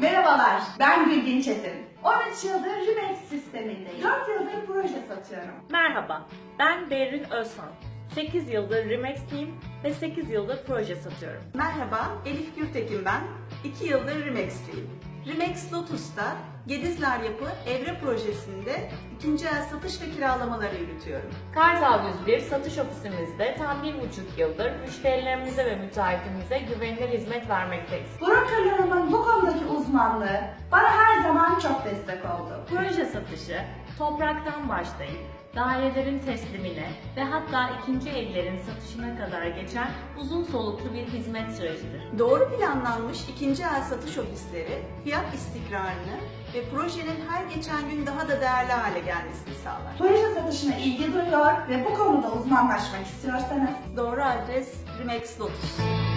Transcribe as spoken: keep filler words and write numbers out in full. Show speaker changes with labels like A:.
A: Merhabalar, ben Gülbin Çetin. on üç yıldır Rimex sistemindeyim. dört yıldır proje satıyorum.
B: Merhaba, ben Berrin Özhan. sekiz yıldır Rimex'liyim ve sekiz yıldır proje satıyorum.
C: Merhaba, Elif Gürtekin ben. iki yıldır Rimex'liyim. Rimex Lotus'ta Gedizler Yapı Evre Projesi'nde ikinci el satış ve kiralamaları yürütüyorum.
B: Kartal yüz bir satış ofisimizde tam bir buçuk yıldır müşterilerimize ve müteahhitimize güvenilir hizmet vermekteyiz.
A: Brokerlarımın bu konudaki uzmanlığı bana her zaman çok destek oldu.
B: Proje satışı, topraktan başlayıp dairelerin teslimine ve hatta ikinci evlerin satışına kadar geçen uzun soluklu bir hizmet sürecidir.
C: Doğru planlanmış ikinci el satış ofisleri fiyat istikrarını ve projenin her geçen gün daha da değerli hale gelmesini sağlar.
A: Proje satışına ilgi duyuyor ve bu konuda uzmanlaşmak istiyorsanız
C: Doğru adres Rimex Lotus.